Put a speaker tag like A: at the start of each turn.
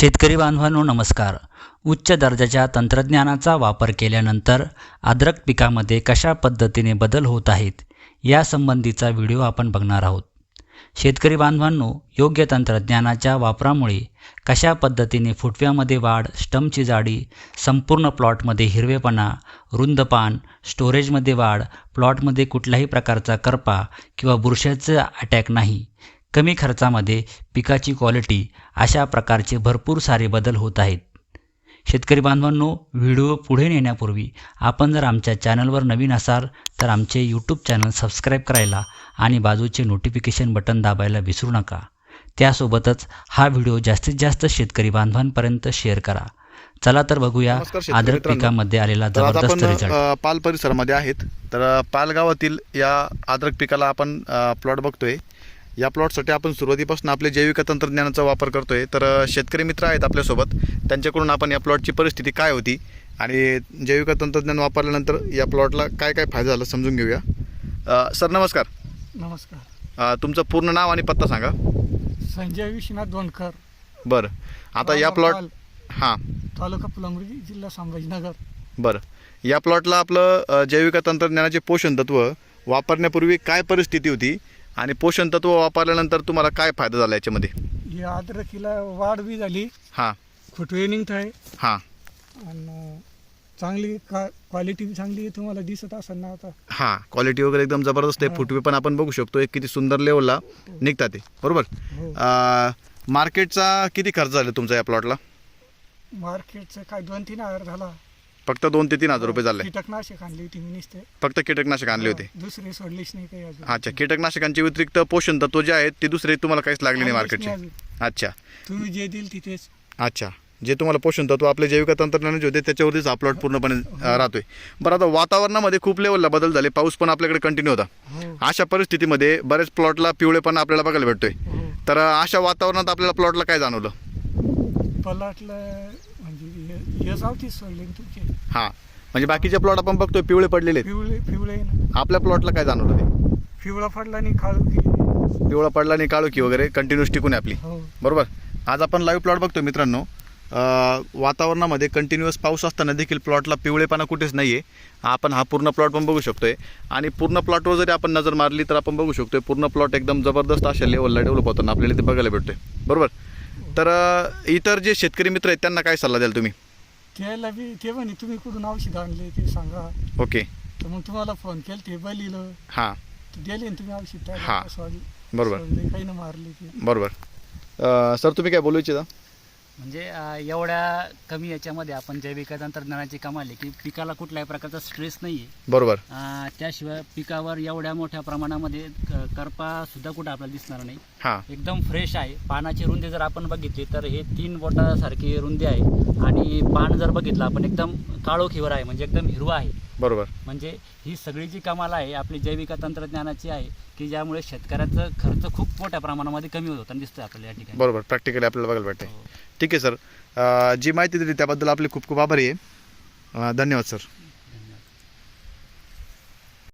A: शेतकरी बांधवांनो नमस्कार. उच्च दर्जाच्या तंत्रज्ञानाचा वापर केल्यानंतर अद्रक पिकामध्ये कशा पद्धतीने बदल होत आहेत यासंबंधीचा व्हिडिओ आपण बघणार आहोत. शेतकरी बांधवांनो, योग्य तंत्रज्ञानाच्या वापरामुळे कशा पद्धतीने फुटव्यामध्ये वाढ, स्टमची जाडी, संपूर्ण प्लॉटमध्ये हिरवेपणा, रुंद पान, स्टोरेजमध्ये वाढ, प्लॉटमध्ये कुठल्याही प्रकारचा करपा किंवा बुरशीचा अटॅक नाही, कमी खर्चामध्ये पिकाची क्वालिटी, अशा प्रकारचे भरपूर सारे बदल होत आहेत. शेतकरी बांधवांनो, व्हिडिओ पुढे नेण्यापूर्वी आपण जर आमच्या चॅनलवर नवीन असाल तर आमचे यूट्यूब चॅनल सबस्क्राईब करायला आणि बाजूचे नोटिफिकेशन बटन दाबायला विसरू नका. त्यासोबतच हा व्हिडिओ जास्तीत जास्त शेतकरी बांधवांपर्यंत शेअर करा. चला तर बघूया अद्रक पिकामध्ये आलेला जबरदस्त रिझल्ट.
B: पाल परिसरामध्ये आहेत. तर पाल गावातील या अद्रक पिकाला आपण प्लॉट बघतोय. या प्लॉटसाठी आपण सुरुवातीपासून आपले जैविक तंत्रज्ञानाचा वापर करतोय. तर शेतकरी मित्र आहेत आपल्यासोबत, त्यांच्याकडून आपण या प्लॉटची परिस्थिती काय होती आणि जैविक तंत्रज्ञान वापरल्यानंतर या प्लॉटला काय काय फायदा झाला समजून घेऊया. सर नमस्कार.
C: नमस्कार.
B: तुमचं पूर्ण नाव आणि पत्ता सांगा.
C: संजय विश्वनाथ दोनकर.
B: बरं, आता या प्लॉट हां
C: तालुका फुलंब्री, जिल्हा संभाजीनगर.
B: बरं, या प्लॉटला आपलं जैविक तंत्रज्ञानाचे पोषण तत्व वापरण्यापूर्वी काय परिस्थिती होती आणि पोषण तत्व वापरल्यानंतर तुम्हाला काय फायदा झाला याच्यामध्ये?
C: या अद्रकीला वाढ बी झाली,
B: हां
C: फुटवे निघत आहे
B: हां
C: आणि चांगली क्वालिटी बी चांगली आहे. तुम्हाला दिसत असेल ना आता.
B: हां, क्वालिटी वगैरे एकदम जबरदस्त आहे. फुटवे पण आपण बघू शकतो, एक किती सुंदर लेवलला निघतात ते. बरोबर. मार्केटचा किती खर्च झाला तुमचा या प्लॉटला?
C: मार्केटचं काय 2-3 हजार झाला.
B: फक्त 2 ते 3 हजार रुपये झाले.
C: कीटकनाशक आणली होती मी नुसते.
B: फक्त कीटकनाशक आणले होते?
C: दुसरे सोडलेच नाही काही अजून.
B: अच्छा, कीटकनाशकांच्या व्यतिरिक्त पोषण तत्व जे आहेत ते दुसरे तुम्हाला काहीच लागले नाही मार्केटचे? अच्छा,
C: तुम्ही जे देईल तिथेच.
B: अच्छा, जे तुम्हाला पोषण तत्व आपले जैविक तंत्रज्ञानाचे होते त्याच्यावरतीच हा प्लॉट पूर्णपणे राहतोय. बरं, आता वातावरणामध्ये खूप लेवलला बदल झाले, पाऊस पण आपल्याकडे कंटिन्यू होता. अशा परिस्थितीमध्ये बरेच प्लॉटला पिवळेपणा आपल्याला बघायला भेटतोय. तर अशा वातावरणात आपल्याला प्लॉटला काय जाणवलं?
C: प्लॉटला म्हणजे हे सावतीच सोडले तुमचे.
B: हां, म्हणजे बाकीचे प्लॉट आपण बघतोय पिवळे पडलेले आहेत.
C: पिवळे ना.
B: आपल्या प्लॉटला काय जाणवलं ते?
C: पिवळा पडला नाही, काळू
B: पिवळा पडला नाही, काळोखी वगैरे कंटिन्यूस टिकून आहे आपली. बरोबर. आज आपण लाईव्ह प्लॉट बघतोय मित्रांनो. वातावरणामध्ये कंटिन्युअस पाऊस असताना देखील प्लॉटला पिवळेपणा कुठेच नाही आहे. आपण हा पूर्ण प्लॉट पण बघू शकतोय आणि पूर्ण प्लॉटवर जरी आपण नजर मारली तर आपण बघू शकतोय पूर्ण प्लॉट एकदम जबरदस्त अशा लेवलला डेव्हलप होताना आपल्याला ते बघायला भेटतोय. बरोबर. तर इतर जे शेतकरी मित्र आहेत त्यांना काय सल्ला द्याल तुम्ही?
C: त्याला बी ते म्हणे तुम्ही कुठून औषध आणले ते सांगा.
B: ओके.
C: तर मग तुम्हाला फोन केला, ते बलिलं.
B: हां,
C: दिले ना तुम्ही औषध.
B: हां, बरोबर.
C: काही ना मारले ते.
B: बरोबर. सर तुम्ही काय बोलू इच्छिता?
A: म्हणजे एवढ्या कमी याच्यामध्ये आपण जैविक तंत्रज्ञानाची कमाल आहे की पिकाला कुठल्याही प्रकारचा स्ट्रेस नाही आहे.
B: बरोबर.
A: त्याशिवाय पिकावर एवढ्या मोठ्या प्रमाणामध्ये करपा सुद्धा कुठं आपल्याला दिसणार नाही.
B: हां,
A: एकदम फ्रेश आहे. पानाची रुंदी जर आपण बघितली तर हे 3 बोटासारखी रुंदी आहे आणि पान जर बघितलं आपण एकदम काळोखीवर आहे, म्हणजे एकदम हिरवा आहे.
B: बरोबर.
A: म्हणजे ही सगळी जी कमाल आहे आपली जैविक तंत्रज्ञानाची आहे की ज्यामुळे शेतकऱ्याचा खर्च खूप मोठ्या प्रमाणामध्ये कमी होताना दिसतोय आपल्याला या ठिकाणी.
B: बरोबर, प्रॅक्टिकली आपल्याला बघायला भेटते. ठीक आहे सर, जी माहिती दिली त्याबद्दल आपले खूप खूप आभारी आहे. धन्यवाद सर.